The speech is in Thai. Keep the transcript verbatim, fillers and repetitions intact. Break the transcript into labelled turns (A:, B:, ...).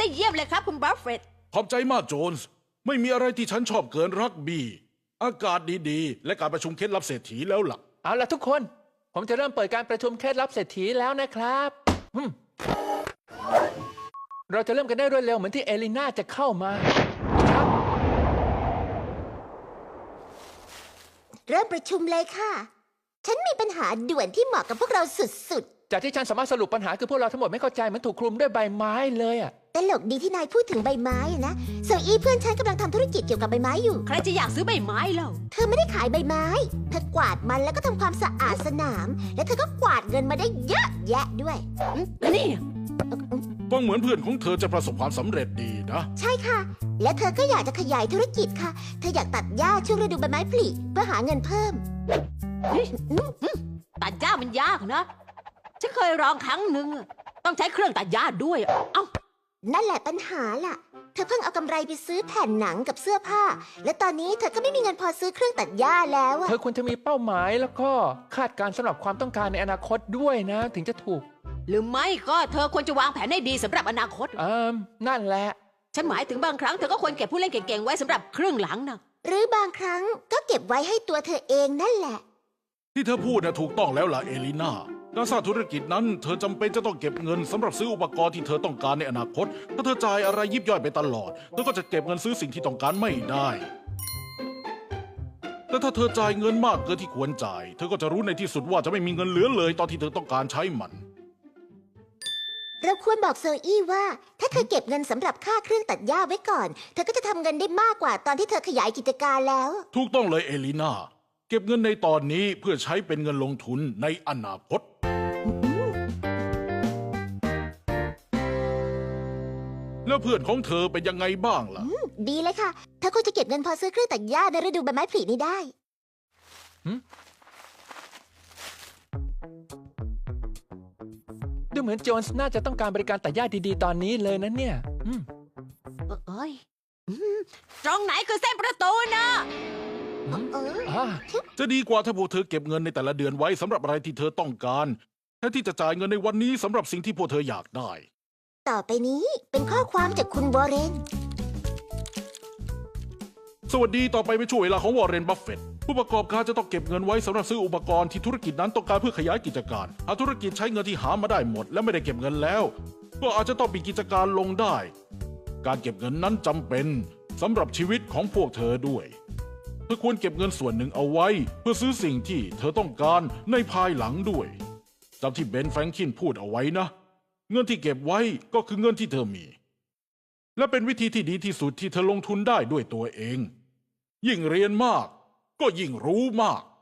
A: เยี่ยมเลยครับคุณบัฟเฟตต์
B: ขอบใจมากโจนส์ไม่มีอะไรที่ฉันชอบเกินรักบี้อากาศดีๆและการประชุมเคล็ดลับเศรษฐีแล้วล่ะ
C: เอาล่ะทุกคนผมจะเริ่มเปิดการประชุมเคล็ดลับเศรษฐีแล้วนะครับเราจะเริ่มกันได้รวดเร็วเหมือนที่เอลิน่าจะเข้ามาครับ
D: เริ่มประชุมเลยค่ะฉันมีปัญหาด่วนที่เหมาะกับพวกเราสุดๆ
C: จากที่ฉันสามารถสรุปปัญหาคือพวกเราทั้งหมดไม่เข้าใจมันถูกคลุมด้วยใบไม้เลยอ่ะ
D: ตลกดีที่นายพูดถึงใบไม้นะโซอี้เพื่อนฉันกำลังทำธุรกิจเกี่ยวกับใบไม้อยู่
A: ใครจะอยากซื้อใบไม้เล่า
D: เธอไม่ได้ขายใบไม้เธอกวาดมันแล้วก็ทำความสะอาดสนามและเธอก็กวาดเงินมาได้เยอะแยะด้วย
A: แล้วนี่
B: ฟังเหมือนเพื่อนของเธอจะประสบความสำเร็จดีนะ
D: ใช่ค่ะและเธอก็อยากจะขยายธุรกิจค่ะเธออยากตัดหญ้าช่วงฤดูใบไม้ผลิเพื่อหาเงินเพิ่ม
A: ตัดหญ้ามันยากนะฉันเคยลองครั้งหนึ่งต้องใช้เครื่องตัดหญ้าด้วยเอ้า
D: นั่นแหละปัญหาล่ะเธอเพิ่งเอากำไรไปซื้อแผ่นหนังกับเสื้อผ้าและตอนนี้เธอก็ไม่มีเงินพอซื้อเครื่องตัดหญ้าแล้ว
C: เธอควรจะมีเป้าหมายแล้วก็คาดการณ์สำหรับความต้องการในอนาคตด้วยนะถึงจะถูก
A: หรือไม่ก็เธอควรจะวางแผนให้ดีสำหรับอนาคต
C: เอ่อนั่นแหละ
A: ฉันหมายถึงบางครั้งเธอก็ควรเก็บผู้เล่นเก่งๆไว้สำหรับครึ่งหลังนะ
D: หรือบางครั้งก็เก็บไว้ให้ตัวเธอเองนั่นแหละ
B: ที่เธอพูดนะถูกต้องแล้วล่ะเอลิน่าการสร้างธุรกิจนั้นเธอจำเป็นจะต้องเก็บเงินสำหรับซื้ออุปกรณ์ที่เธอต้องการในอนาคตถ้าเธอจ่ายอะไรยิบย่อยไปตลอดเธอก็จะเก็บเงินซื้อสิ่งที่ต้องการไม่ได้แต่ถ้าเธอจ่ายเงินมากเกินที่ควรจ่ายเธอก็จะรู้ในที่สุดว่าจะไม่มีเงินเหลือเลยตอนที่เธอต้องการใช้มัน
D: เราควรบอกโซอี้ว่าถ้าเธอเก็บเงินสำหรับค่าเครื่องตัดหญ้าไว้ก่อนเธอก็จะทำเงินได้มากกว่าตอนที่เธอขยายกิจการแล้ว
B: ถูกต้องเลยเอลิน่าเก็บเงินในตอนนี้เพื่อใช้เป็นเงินลงทุนในอนาคตแล้วเพื่อนของเธอเป็นยังไงบ้างล่ะ
D: ดีเลยค่ะเธอควรจะเก็บเงินพอซื้อเครื่องตัดหญ้าในฤดูใบไม้ผลินี้ได้
C: ดูเหมือนโจนส์น่าจะต้องการบริการตัดหญ้าดีๆตอนนี้เลยนะเนี่ย
A: เอ้ยตรงไหนคือเส้นประตูนะ
B: จะดีกว่าถ้าพวกเธอเก็บเงินในแต่ละเดือนไว้สำหรับอะไรที่เธอต้องการแทนที่จะจ่ายเงินในวันนี้สำหรับสิ่งที่พวกเธออยากได้
D: ต่อไปนี้เป็นข้อความจากคุณวอร์เรน
B: สวัสดีต่อไปเป็นช่วงเวลาของวอร์เรนบัฟเฟตต์ผู้ประกอบการจะต้องเก็บเงินไว้สำหรับซื้ออุปกรณ์ที่ธุรกิจนั้นต้องการเพื่อขยายกิจการหากธุรกิจใช้เงินที่หามาได้หมดและไม่ได้เก็บเงินแล้วก็อาจจะต้องปิดกิจการลงได้การเก็บเงินนั้นจำเป็นสำหรับชีวิตของพวกเธอด้วยเธอควรเก็บเงินส่วนหนึ่งเอาไว้เพื่อซื้อสิ่งที่เธอต้องการในภายหลังด้วยจำที่เบนแฟรงคินพูดเอาไว้นะเงินที่เก็บไว้ก็คือเงินที่เธอมีและเป็นวิธีที่ดีที่สุดที่เธอลงทุนได้ด้วยตัวเองยิ่งเรียนมากก็ยิ่งรู้มาก